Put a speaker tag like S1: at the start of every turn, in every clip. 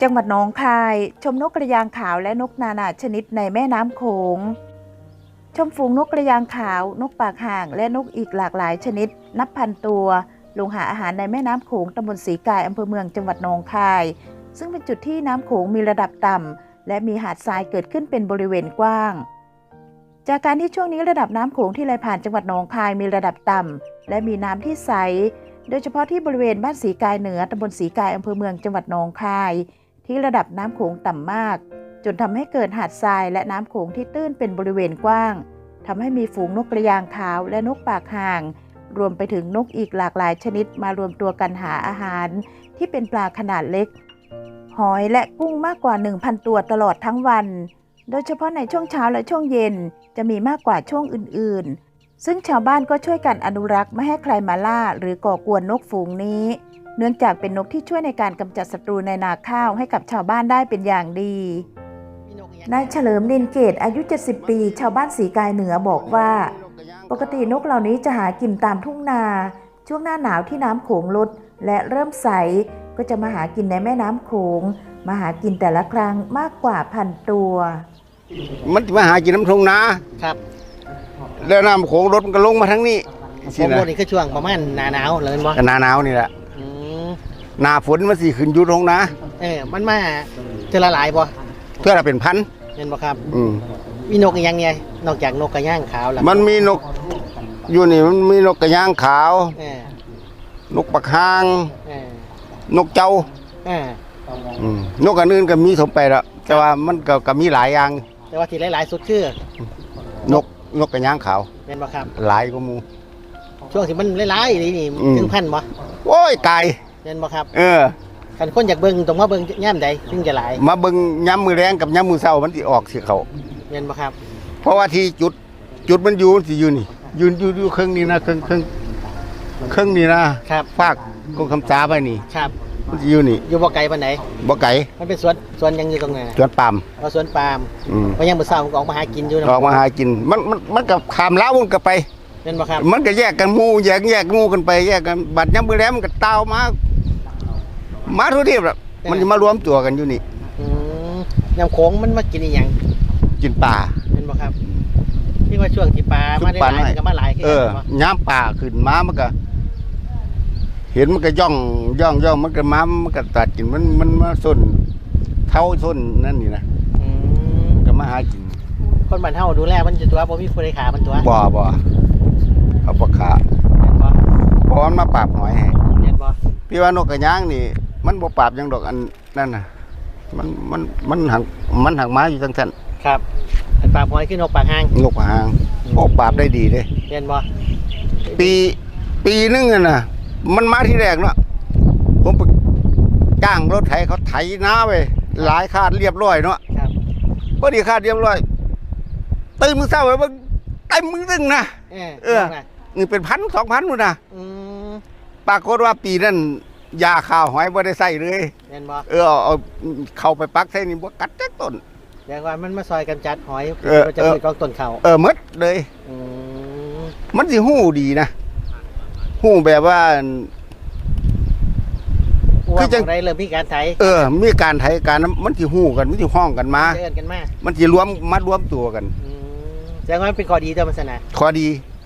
S1: จังหวัดหนองคายชมนกกระยางขาวและนกนานาชนิดในแม่น้ำโขงชมฝูงนกกระยางขาวนกปากห่างและนกอีกหลากหลายชนิดนับพันตัวลงหาอาหารในแม่น้ำโขงตำบลศรีกายอำเภอเมืองจังหวัดหนองคายซึ่งเป็นจุดที่น้ำโขงมีระดับต่ำและมีหาดทรายเกิดขึ้นเป็นบริเวณกว้างจากการที่ช่วงนี้ระดับน้ำโขงที่ไหลผ่านจังหวัดหนองคายมีระดับต่ำและมีน้ำที่ใสโดยเฉพาะที่บริเวณบ้านศรีกายเหนือตำบลศรีกายอำเภอเมืองจังหวัดหนองคายที่ระดับน้ำโขงต่ำมากจนทำให้เกิดหาดทรายและน้ำโขงที่ตื้นเป็นบริเวณกว้างทำให้มีฝูงนกกระยางขาวและนกปากห่างรวมไปถึงนกอีกหลากหลายชนิดมารวมตัวกันหาอาหารที่เป็นปลาขนาดเล็กหอยและกุ้งมากกว่า 1,000 ตัวตลอดทั้งวันโดยเฉพาะในช่วงเช้าและช่วงเย็นจะมีมากกว่าช่วงอื่นๆซึ่งชาวบ้านก็ช่วยกันอนุรักษ์ไม่ให้ใครมาล่าหรือก่อกวนนกฝูงนี้เนื่องจากเป็นนกที่ช่วยในการกำจัดศัตรูในนาข้าวให้กับชาวบ้านได้เป็นอย่างดีนายเฉลิมนินเกตอายุ 70 ปีชาวบ้านศรีกายเหนือบอกว่าปกตินกเหล่านี้จะหากินตามทุ่งนาช่วงหน้าหนาวที่น้ำโขงลดและเริ่มใสก็จะมาหากินในแม่น้ำโขงมาหากินแต่ละครั้งมากกว่า 1,000 ตัว
S2: มันมาหากินน้ำทุ่งนา
S3: ครับ
S2: แล้วน้ำโขงรถมันก็ลงมาทั้งนี้
S3: ผมรถนี่คือช่วงประมาณหน้าหนาวเลยมั้ง
S2: หน้าหนาวนี่แหละหน้าฝนมันสิขึ้นอยู่ตรงนะ
S3: มันมาเจอละหลายบ่
S2: เพื่อเราเป็นพัน
S3: เห็นบ่ครับมีนกอีกอย่างไงนอกจากนกกระย่างขาวแล้ว
S2: มันมีนกอยู่นี่มันมีนกกระย่างขาวนกปักห่างนกเจ้านกอันอื่นก็มีสมไปแล้วแต่ว่ามันก็มีหลายอย่าง
S3: แต่ว่าที่หลายๆสุดคื
S2: อนกกระย่างขาว
S3: เห็นบ่ครับ
S2: หลายกว่าหมู่
S3: ช่วงที่มันหลายๆนี่ถึงพันบ่
S2: โอ้ยไก่
S3: เห็นบ่ครับ
S2: คัน
S3: คนอยากเบิ่งต้องมาเบิ่งย่ำใดถึงจะหลาย
S2: มาเบิ่งย่ำมือแรงกับย่ำมือเช้ามันสิออกสิเขา
S3: เห็นบ่ครับ
S2: เพราะว่าที่จุดมันอยู่สิอยู่นี่อยู่เครื่องนี้นะเครื่องนี้นะครับฝากกงคำสาไปนี่
S3: ครับ
S2: มันสิอยู่นี่
S3: อยู่บ่ไกลปานไหน
S2: บ่ไกล
S3: มันเป็นสวนยังอยู่ตรงไหน
S2: สวนปาล์ม
S3: สวนปาล์มเพราะยังมื้อเช้าก็ออกมาหากินอยู่
S2: ออกมาหากินมันกับขามล้าวมันก็ไป
S3: เห็นบ่ครับ
S2: มันก็แยกกันหมู่แยกหมู่กันไปแยกกันบัดย่ำมือแรงมันก็เต้ามาทุกที่แบบมันจะมารวมตัวกันอยู่นี่
S3: น้ำโขงมันมากินอีหยัง
S2: กินปลา
S3: เห็นบ่ครับที่ว่าช่วงที่ปลามาได้หลายก็มาหลาย
S2: ย้ำปลาขึ้นมามันก็เห็นมันก็ย่องมันก็มันก็ตัดกินมันมาส้นเท้าส้นนั่นนี่นะก็มาหากิน
S3: คนบ้านเฮาดูแลมันจะตัวบ่มีผู้ใดขามันตัว
S2: บ่เอาปลาขาเพราะมันมาปราบหอยให้
S3: เห็นบ่
S2: พี่ว่านกกระย่างนี่มันบ่ปราบยังดอกอันนั่นน่ะมันหักม้าอยู่ทั้งท่าน
S3: ครับปราบหอยคือนกปากห่าง
S2: นกปากห่างโอ้ปราบได้ดีเลย
S3: เห็นบ่
S2: ปีนึงน่ะมันมาที่แรกเนาะผมไปจ้างรถไถเขาไถน้าไปหลายคาดเรียบร้อยเนาะ
S3: ครับ
S2: พอดีคาดเรียบร้อยตื่นมื้อเช้าไปเต็มมือนึงนะนี่เป็น1,000-2,000นู่นนะปรากฏว่าปีนั้นยาข้าวหอยบ่ได้ใส่เลย
S3: เห็นบ่
S2: เอาเข้าไปปักใส่นี่บ่กัดจักต้น
S3: แต่ว่ามันมาซอยกันจัดหอยมันจะมีกองต้นเขา
S2: หมดเลยมันสิฮู้ดีนะฮู้แบบว่า
S3: คือจังได๋เริ่มมีการไถ
S2: มีการไถการมันสิฮู้กันมันสิห้องกันมามันสิรวมตัวกัน
S3: แสดงว่าเป็นข้อดีตัวมันซะนะ
S2: ข้อดี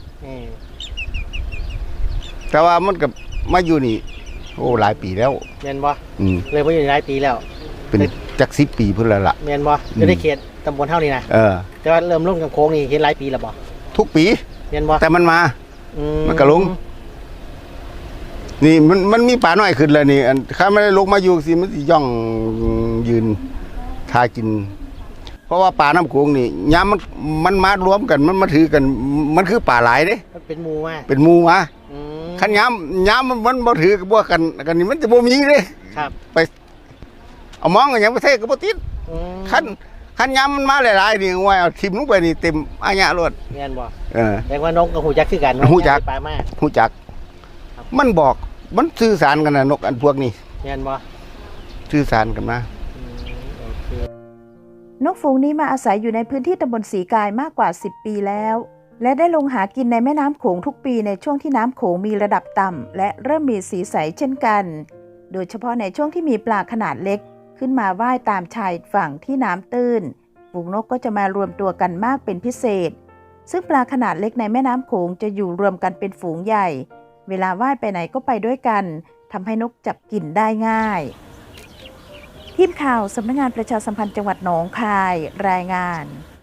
S2: แต่ว่ามันก็มาอยู่นี่โอ้หลายปีแล้ว
S3: แม่นบ่เลยมาอยู่หลายปีแล้ว
S2: เป็นจัก10 ปีพุ่นแล้วล่ะ
S3: แม่นบ่อยู่ในเขตตำบลเฮานี่นะแต่ว่าเริ่มลงกับโค้งนี่เห็นหลายปีแล้วบ่
S2: ทุกปี
S3: แม่นบ่
S2: แต่มันมามันก็ลงนี่มันมีป่าน้อยขึ้นแล้วนี่ถ้าไม่ได้ลงมาอยู่สิมันสิย่องยืนทากินเพราะว่าป่าน้ำโขงนี่ย้ำมันมารวมกันมันมาถือกันมันคือป่าหลายเด้
S3: เป็นหมู่
S2: มาขันย้ำมันบ่ถือกับบ่กันนี่มันจะบ่มีเลย
S3: ครับ
S2: ไปเอามองกันอย่างประเทศก็บ่ติดขันย้ำมันมาหลายๆนี่ว่าเอาทิ่มลงไปนี่เต็มอาญะรถ
S3: แม่นบ่แต่ว่านกกับหูจักคือกัน
S2: หูจัก
S3: ป่ามาก
S2: หูจักมันบอกมันสื่อสารกันนะนกอันพวกนี้
S3: แม่นบ่
S2: สื่อสารกันม
S1: านกฝูงนี้มาอาศัยอยู่ในพื้นที่ตำบลศรีกายมากกว่า10 ปีแล้วและได้ลงหากินในแม่น้ำโขงทุกปีในช่วงที่น้ำโขงมีระดับต่ำและเริ่มมีสีใสเช่นกันโดยเฉพาะในช่วงที่มีปลาขนาดเล็กขึ้นมาว่ายตามชายฝั่งที่น้ำตื้นฝูงนกก็จะมารวมตัวกันมากเป็นพิเศษซึ่งปลาขนาดเล็กในแม่น้ำโขงจะอยู่รวมกันเป็นฝูงใหญ่เวลาว่ายไปไหนก็ไปด้วยกันทำให้นกจับกินได้ง่ายทีมข่าวสำนักงานประชาสัมพันธ์จังหวัดหนองคายรายงาน